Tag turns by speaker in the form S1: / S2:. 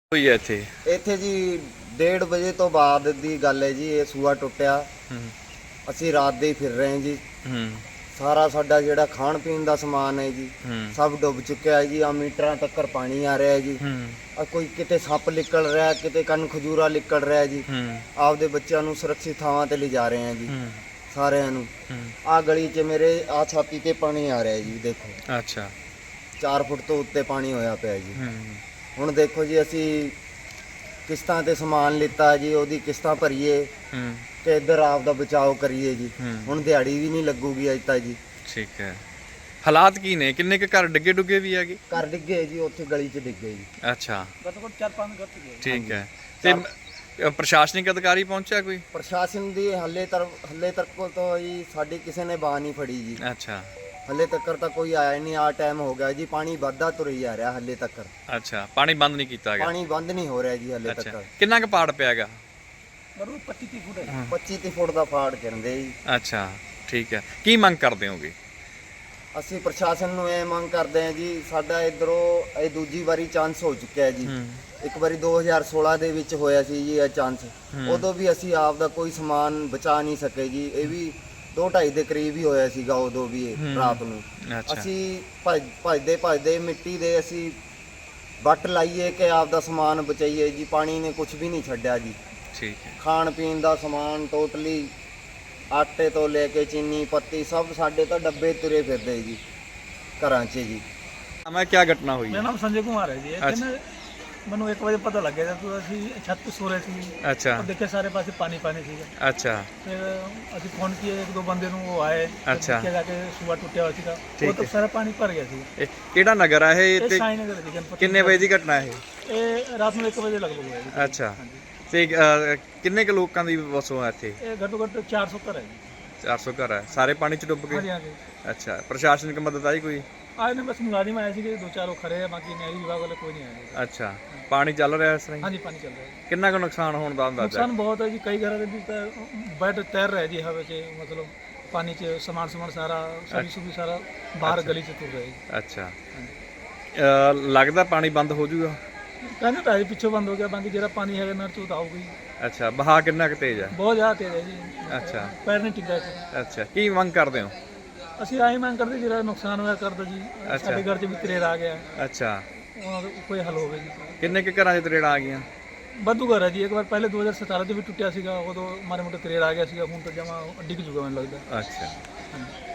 S1: ਹੋਈ ਹੈ ਇੱਥੇ
S2: ਇੱਥੇ ਜੀ 1:30 ਵਜੇ ਤੋਂ ਬਾਅਦ ਦੀ ਗੱਲ ਹੈ ਜੀ। ਇਹ ਸੂਆ ਟੁੱਟਿਆ। ਅਸੀਂ ਰਾਤ ਦੇ ਹੀ ਫਿਰ ਰਹੇ ਹਾਂ ਜੀ। ਸਾਰਾ ਸਾਡਾ ਜਿਹੜਾ ਖਾਣ ਪੀਣ ਦਾ ਸਮਾਨ ਹੈ ਜੀ ਸਭ ਡੁੱਬ ਚੁੱਕਿਆ ਹੈ ਜੀ। ਆ ਮੀਟਰਾਂ ਤੱਕ ਪਾਣੀ ਆ ਰਿਹਾ ਹੈ ਜੀ। ਆ ਕੋਈ ਕਿਤੇ ਸੱਪ ਨਿਕਲ ਰਿਹਾ, ਕਿਤੇ ਕੰਨ ਖਜੂਰਾ ਨਿਕਲ ਰਿਹਾ ਜੀ। ਆਪਦੇ ਬੱਚਿਆਂ ਨੂੰ ਸੁਰੱਖਿਅਤ ਥਾਵਾਂ ਤੇ ਲਿਜਾ ਰਹੇ ਹਾਂ ਜੀ ਸਾਰਿਆਂ ਨੂੰ। ਆ ਗਲੀ 'ਚ ਮੇਰੇ ਆ ਛਾਤੀ ਤੇ ਪਾਣੀ ਆ ਰਿਹਾ ਜੀ, ਦੇਖੋ।
S1: ਅੱਛਾ,
S2: 4 ਫੁੱਟ ਤੋਂ ਉੱਤੇ ਪਾਣੀ ਹੋਇਆ ਪਿਆ ਜੀ। ਹੁਣ ਦੇਖੋ ਜੀ, ਅਸੀਂ ਕਿਸ਼ਤਾਂ ਤੇ ਸਮਾਨ ਲਿੱਤਾ ਜੀ, ਉਹਦੀ ਕਿਸ਼ਤਾਂ ਭਰੀਏ ਤੇ ਇੱਧਰ ਆਪ ਦਾ ਬਚਾਓ ਕਰੀਏ ਜੀ। ਹੁਣ ਦਿਹਾੜੀ ਵੀ ਨਹੀਂ ਲੱਗੂਗੀ ਅੱਜ ਤਾਂ ਜੀ।
S1: ਠੀਕ ਹੈ। ਹਾਲਾਤ ਕੀ ਨੇ? ਕਿੰਨੇ ਕੁ ਘਰ ਡਿੱਗੇ ਡੁੱਗੇ ਵੀ ਹੈਗੇ?
S2: ਘਰ ਡਿੱਗੇ ਜੀ, ਉੱਥੇ ਗਲੀ 'ਚ ਡਿੱਗੇ ਜੀ।
S1: ਅੱਛਾ,
S2: ਘੱਟੋ ਘੱਟ 4-5 ਘਰ ਡਿੱਗੇ।
S1: ਠੀਕ ਹੈ। ਤੇ ਪ੍ਰਸ਼ਾਸਨਿਕ ਅਧਿਕਾਰੀ ਪਹੁੰਚਿਆ ਕੋਈ?
S2: ਪ੍ਰਸ਼ਾਸਨ ਦੀ ਹੱਲੇ ਤੱਕ ਤੋਂ ਜੀ ਸਾਡੀ ਕਿਸੇ ਨੇ ਬਾਹ ਨਹੀਂ ਫੜੀ ਜੀ।
S1: ਅੱਛਾ,
S2: ਹੱਲੇ ਤੱਕ ਤਾਂ ਕੋਈ ਆਇਆ ਹੀ ਨਹੀਂ। ਆ ਟਾਈਮ ਹੋ ਗਿਆ ਜੀ, ਪਾਣੀ ਵੱਧਦਾ ਤੁਰੀ ਜਾ ਰਿਹਾ ਹੱਲੇ ਤੱਕ।
S1: ਅੱਛਾ, ਪਾਣੀ ਬੰਦ ਨਹੀਂ ਕੀਤਾ ਗਿਆ?
S2: ਪਾਣੀ ਬੰਦ ਨਹੀਂ ਹੋ ਰਿਹਾ ਜੀ ਹੱਲੇ ਤੱਕ।
S1: ਕਿੰਨਾ ਕੁ ਪਾੜ ਪਿਆ ਹੈਗਾ?
S2: 25-30 ਫੁੱਟ 25-30 ਫੁੱਟ ਦਾ ਫਾੜ ਕਹਿੰਦੇ ਜੀ।
S1: ਅੱਛਾ, ਠੀਕ ਹੈ। ਕੀ ਮੰਗ ਕਰਦੇ ਹੋਗੇ?
S2: ਅਸੀਂ ਪ੍ਰਸ਼ਾਸਨ ਨੂੰ ਇਹ ਮੰਗ ਕਰਦੇ ਹਾਂ ਜੀ, ਸਾਡਾ ਇਧਰੋਂ ਇਹ ਦੂਜੀ ਵਾਰੀ ਚਾਂਸ ਹੋ ਚੁੱਕਿਆ ਹੈ ਜੀ। ਇੱਕ ਵਾਰੀ 2016 ਦੇ ਵਿੱਚ ਹੋਇਆ ਸੀ ਜੀ ਇਹ ਚਾਂਸ। ਉਦੋਂ ਵੀ ਅਸੀਂ ਆਪ ਦਾ ਕੋਈ ਸਮਾਨ ਬਚਾ ਨਹੀਂ ਸਕੇ ਜੀ। ਇਹ ਵੀ 2-2.5 ਦੇ ਕਰੀਬ ਹੀ ਹੋਇਆ ਸੀਗਾ ਉਦੋਂ ਵੀ, ਇਹ ਰਾਤ ਨੂੰ। ਅਸੀਂ ਭੱਜਦੇ ਮਿੱਟੀ ਦੇ ਅਸੀਂ ਵੱਟ ਲਾਈਏ ਕਿ ਆਪ ਦਾ ਸਮਾਨ ਬਚਾਈਏ ਜੀ। ਪਾਣੀ ਨੇ ਕੁਝ ਵੀ ਨਹੀਂ ਛੱਡਿਆ ਜੀ।
S1: ਠੀਕ ਹੈ।
S2: ਖਾਣ ਪੀਣ ਦਾ ਸਮਾਨ ਟੋਟਲੀ, ਆਟੇ ਤੋਂ ਲੈ ਕੇ ਚੀਨੀ ਪੱਤੀ ਸਭ ਸਾਡੇ ਤਾਂ ਡੱਬੇ ਤੁਰੇ ਫਿਰਦੇ ਜੀ ਘਰਾਂ 'ਚ ਜੀ।
S1: ਮੈਂ ਕੀ ਘਟਨਾ ਹੋਈ?
S3: ਮੇਰਾ ਨਾਮ ਸੰਜੇ ਕੁਮਾਰ ਹੈ ਜੀ। ਇੱਥੇ ਮੈਨੂੰ 1 ਵਜੇ ਪਤਾ ਲੱਗਿਆ ਜਦ ਅਸੀਂ ਛੱਤ ਤੇ ਸੋ ਰਹੇ ਸੀ।
S1: ਅੱਛਾ,
S3: ਦੇਖਿਆ ਸਾਰੇ ਪਾਸੇ ਪਾਣੀ ਸੀਗਾ।
S1: ਅੱਛਾ,
S3: ਫਿਰ ਅਸੀਂ ਫੋਨ ਕੀਏ, 1-2 ਬੰਦੇ ਨੂੰ, ਉਹ ਆਏ।
S1: ਅੱਛਾ,
S3: ਜਾ ਕੇ ਸੂਆ ਟੁੱਟਿਆ ਹੋਇਆ ਸੀਗਾ, ਉਹ ਤਾਂ ਸਾਰਾ ਪਾਣੀ ਭਰ ਗਿਆ ਸੀ।
S1: ਇਹ ਕਿਹੜਾ ਨਗਰ ਆ ਇਹ?
S3: ਇਹ ਸਾਈ ਨਗਰ ਦੀ ਗਣਪਤੀ।
S1: ਕਿੰਨੇ ਵਜੇ ਦੀ ਘਟਨਾ ਇਹ?
S3: ਇਹ ਰਾਤ ਨੂੰ 1 ਵਜੇ ਲਗਭਗ ਹੋਇਆ ਜੀ।
S1: ਅੱਛਾ, ਤੇ ਕਿੰਨੇ ਕੁ ਲੋਕਾਂ ਦੀ ਵਸੋਂ ਹੈ ਇੱਥੇ?
S3: ਇਹ ਘੱਟੋ ਘੱਟ 400 ਘਰ ਹੈ ਜੀ।
S1: 400 ਘਰ ਹੈ, ਸਾਰੇ ਪਾਣੀ ਚ ਡੁੱਬ
S3: ਹਾਂਜੀ
S1: ਗਏ?
S3: ਹਾਂਜੀ।
S1: ਅੱਛਾ, ਪ੍ਰਸ਼ਾਸਨਿਕ ਮਦਦ ਆਈ ਕੋਈ?
S3: ਆਏ ਨੇ ਬਸ ਮੁਲਾਜ਼ਮ ਆਏ ਸੀਗੇ 2-4 ਉਹ ਖੜੇ ਆ, ਬਾਕੀ ਨਹਿਰੀ ਵਿਭਾਗ ਵਾਲੇ ਕੋਈ ਨਹੀਂ ਆਏ।
S1: ਅੱਛਾ, ਪਾਣੀ ਚੱਲ ਰਿਹਾ ਇਸ ਤਰ੍ਹਾਂ ਹੀ?
S3: ਹਾਂਜੀ, ਪਾਣੀ ਚੱਲ ਰਿਹਾ ਹੈ।
S1: ਕਿੰਨਾ ਕੁ ਨੁਕਸਾਨ ਹੋਣ ਦਾ ਅੰਦਾਜ਼ਾ?
S3: ਨੁਕਸਾਨ ਬਹੁਤ ਹੈ ਜੀ। ਕਈ ਘਰਾਂ ਦੇ ਵਿੱਚ ਤਾਂ ਬੈੱਡ ਤੈਰ ਰਿਹਾ ਜੀ ਹਵਾ 'ਚ, ਮਤਲਬ ਪਾਣੀ 'ਚ ਸਮਾਨ ਸਾਰਾ ਸਬਜ਼ੀ ਸਾਰਾ ਬਾਹਰ ਗਲੀ 'ਚ ਤੁਰ ਰਿਹਾ ਜੀ।
S1: ਅੱਛਾ, ਲੱਗਦਾ ਪਾਣੀ ਬੰਦ ਹੋ ਜਾਊਗਾ?
S3: ਕਹਿੰਦੇ ਤਾਂ ਪਿੱਛੋਂ ਬੰਦ ਹੋ ਗਿਆ, ਬਾਕੀ ਜਿਹੜਾ ਪਾਣੀ ਹੈਗਾ ਨਹਿਰ 'ਚ ਉਹ ਤਾਂ ਆਊਗਾ ਹੀ।
S1: ਅੱਛਾ, ਬਹਾ ਕਿੰਨਾ ਕੁ ਤੇਜ਼ ਹੈ?
S3: ਬਹੁਤ ਜ਼ਿਆਦਾ ਤੇਜ਼ ਹੈ ਜੀ।
S1: ਅੱਛਾ,
S3: ਪੈਰ ਨਹੀਂ ਟਿਕਦਾ ਇੱਥੇ।
S1: ਅੱਛਾ, ਕੀ ਮੰਗ ਕਰਦੇ ਹੋ?
S3: ਅਸੀਂ ਆਹੀ ਮੰਗ ਕਰਦੇ, ਜਿਹੜਾ ਨੁਕਸਾਨ ਹੋਇਆ ਕਰ ਦਿਓ ਜੀ। ਸਾਡੇ ਘਰ 'ਚ ਵੀ ਤਰੇੜ ਆ ਗਿਆ,
S1: ਅੱਛਾ,
S3: ਉਹਨਾਂ ਦਾ ਕੋਈ ਹੱਲ ਹੋਵੇ ਜੀ।
S1: ਕਿੰਨੇ ਕੁ ਘਰਾਂ 'ਚ ਤਰੇੜਾਂ ਆ ਗਈਆਂ?
S3: ਵਾਧੂ ਘਰ ਹੈ ਜੀ। ਇੱਕ ਵਾਰ ਪਹਿਲੇ 2017 'ਚ ਵੀ ਟੁੱਟਿਆ ਸੀਗਾ, ਉਦੋਂ ਮਾਰੇ ਮੋਟੇ ਤਰੇੜ ਆ ਗਿਆ ਸੀਗਾ। ਹੁਣ ਤਾਂ ਜਮਾ ਡਿੱਗ ਜੂਗਾ ਮੈਨੂੰ ਲੱਗਦਾ।
S1: ਅੱਛਾ।